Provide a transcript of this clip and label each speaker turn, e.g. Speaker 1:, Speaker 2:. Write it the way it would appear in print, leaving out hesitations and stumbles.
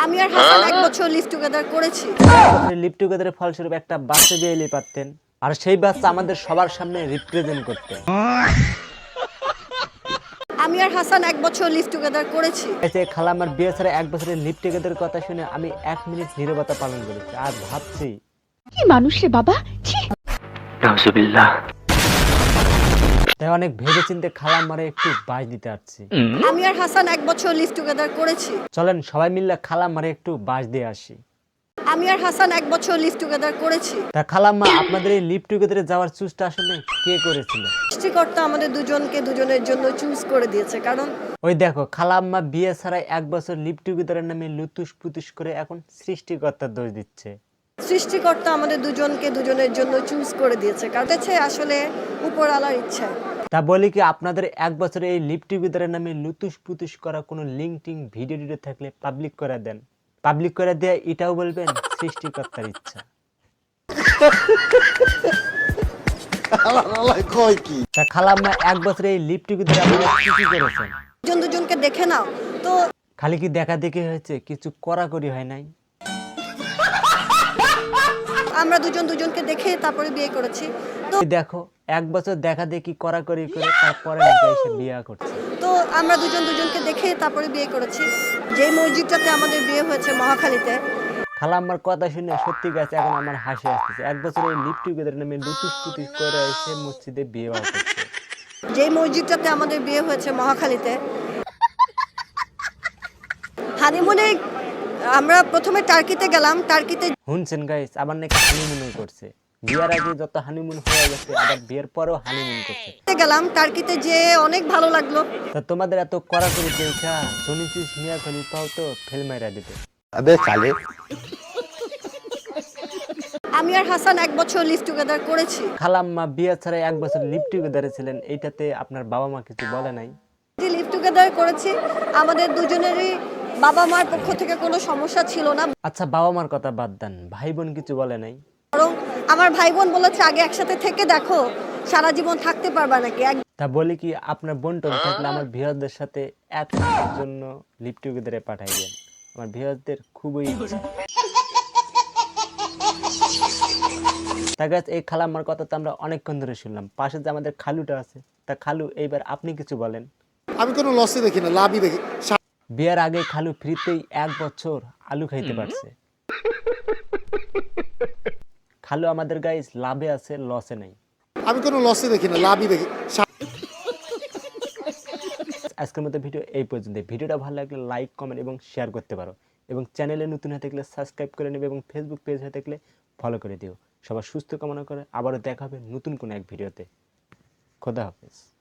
Speaker 1: আমি আর হাসান ১ বছর live together করেছি।
Speaker 2: বছরের লিভ টুগেদারের ফলস্বরূপ একটা বাচ্চা বিয়ে এলে পারতেন, আর সেই বাচ্চা আমাদের সবার সামনে রিপ্রেজেন্ট করতেন।
Speaker 1: আমি আর হাসান ১ বছর লিভ টুগেদার করেছি।
Speaker 2: খালাম্মার বিয়ে ছাড়া 1 বছরের লিভ টুগেদারের কথা শুনে আমি 1 মিনিট নীরবতা পালন করেছি, আর ভাবছি
Speaker 3: কি মানুষ রে বাবা, ছি।
Speaker 2: নাউজুবিল্লাহ। তাই অনেক ভেবেচিন্তে খালাম্মারে একটু বাজ দিতে আসছি।
Speaker 1: আমি আর হাসান ১ বছর লিভ টুগেদার করেছি।
Speaker 2: চলেন সবাই মিলে খালাম্মারে একটু বাজ দিয়ে আসি।
Speaker 1: আমি আর হাসান ১ বছর লিভ টুগেদার করেছি।
Speaker 2: তা খালাম্মা, আপনাদের এই লিভ টুগেদারে যাওয়ার চুজটা আসলে কে করেছিল?
Speaker 1: সৃষ্টিকর্তা আমাদের দুজনকে দুজনের জন্য চুজ করে দিয়েছে, কারণ
Speaker 2: ওই দেখো, খালাম্মা বিয়ে ছাড়াই 1 বছর লিভ টুগেদারের নামে লুতুস পুতুস করে এখন সৃষ্টিকর্তার দোষ দিচ্ছে।
Speaker 1: সৃষ্টিকর্তা আমাদের দুজনকে দুজনের জন্য চুজ করে দিয়েছে, কারণ হচ্ছে আসলে উপরওয়ালার ইচ্ছা।
Speaker 2: তা বলি কি, আপনাদের 1 বছরে এই লিভ টুগেদারের নামে লুতুস পুতুস করা কোনো লিঙ্ক টিং ভিডিও টিডিও থাকলে পাবলিক করে দেন। পাবলিক করে দিয়ে এটাও বলবেন সৃষ্টিকর্তার ইচ্ছা। তা খালাম্মা 1 বছরে এই লিভ টুগেদারে আপনারা কি কি করেছেন?
Speaker 1: দুজন দুজনকে দেখে নাও তো।
Speaker 2: খালি কি দেখা দেখি হয়েছে, কিছু কড়াকড়ি হয় নাই?
Speaker 1: আমরা দুজন দুজনকে দেখে তারপরে বিয়ে করেছি। তো
Speaker 2: এই দেখো, 1 বছর দেখা দেখি কড়াকড়ি করে তারপরে নাকি এসে বিয়ে করছে।
Speaker 1: তো আমরা দুজন দুজনকে দেখে তারপরে বিয়ে করেছি। যেই মসজিদটাতে আমাদের বিয়ে হয়েছে মহাখালীতে।
Speaker 2: খালাম্মার কথা শুনে সত্যি গেছে, এখন আমার হাসি আসতেছে। 1 বছর এই লিভ টুগেদার নামে লুতুস পুতুস করে এসে মসজিদে বিয়ে করছে।
Speaker 1: যেই মসজিদটাতে আমাদের বিয়ে হয়েছে মহাখালীতে, হানিমুনে আমরা প্রথমে টার্কিতে গেলাম। টার্কিতে
Speaker 2: শুনছেন গাইস, আবার নাকি হানিমুন করছে। বিয়ের আগে যত হানিমুন হয়ে গেছে, আবার বিয়ের পরেও হানিমুন করছে।
Speaker 1: গেলাম, টার্কিতে যেয়ে অনেক ভালো লাগলো।
Speaker 2: তা তোমাদের এত কড়াকড়ি দেখা শুনেছিস মিয়া খলিফাও তো ফেল মাইরা দিবে।
Speaker 1: আমি আর হাসান 1 বছর লিভ টুগেদার করেছি।
Speaker 2: খালাম্মা বিয়ে ছাড়া 1 বছর লিভ টুগেদারে ছিলেন, এইটাতে আপনার বাবা মা কিছু বলে নাই?
Speaker 1: যে লিভ টুগেদার করেছি, আমাদের দুজনেরই বাবা মার পক্ষ থেকে কোনো সমস্যা ছিল না।
Speaker 2: আচ্ছা, বাবা মার কথা বাদ দেন, ভাই বোন কিছু বলে নাই?
Speaker 1: বরং আমার ভাই বোন বলেছে আগে একসাথে থেকে দেখো সারা জীবন থাকতে পারবা নাকি।
Speaker 2: তা বলি কি, আপনার বোন টোন থাকলে আমার ভিউয়ারদের সাথে 1 মাসের জন্য লিভ টুগেদারে পাঠাই দেন। আমার ভিউয়ারদের খুবই ইচ্ছা। তা গাছ, এই খালাম্মার কথা তো আমরা অনেকক্ষণ ধরে শুনলাম। পাশে যে আমাদের খালুটা আছে, তা খালু এইবার আপনি কিছু বলেন।
Speaker 4: আমি কোনো লসই দেখি না, লাভই দেখি।
Speaker 2: বিয়ের আগে খালু ফ্রিতেই 1 বছর আলু খাইতে পারছে। খালু আমাদের গাইস লাভে আছে, লসে নাই।
Speaker 4: আমি কোনো লসই দেখি না, লাভই দেখি।
Speaker 2: আজকের মতো ভিডিও এই পর্যন্ত। ভিডিওটা ভালো লাগলে লাইক, কমেন্ট এবং শেয়ার করতে পারো, এবং চ্যানেলে নতুন হয়ে থাকলে সাবস্ক্রাইব করে নেবে, এবং ফেসবুক পেজ হয়ে থাকলে ফলো করে দিও। সবার সুস্থ কামনা করে আবারও দেখা হবে নতুন কোনো এক ভিডিওতে। খোদা হাফেজ।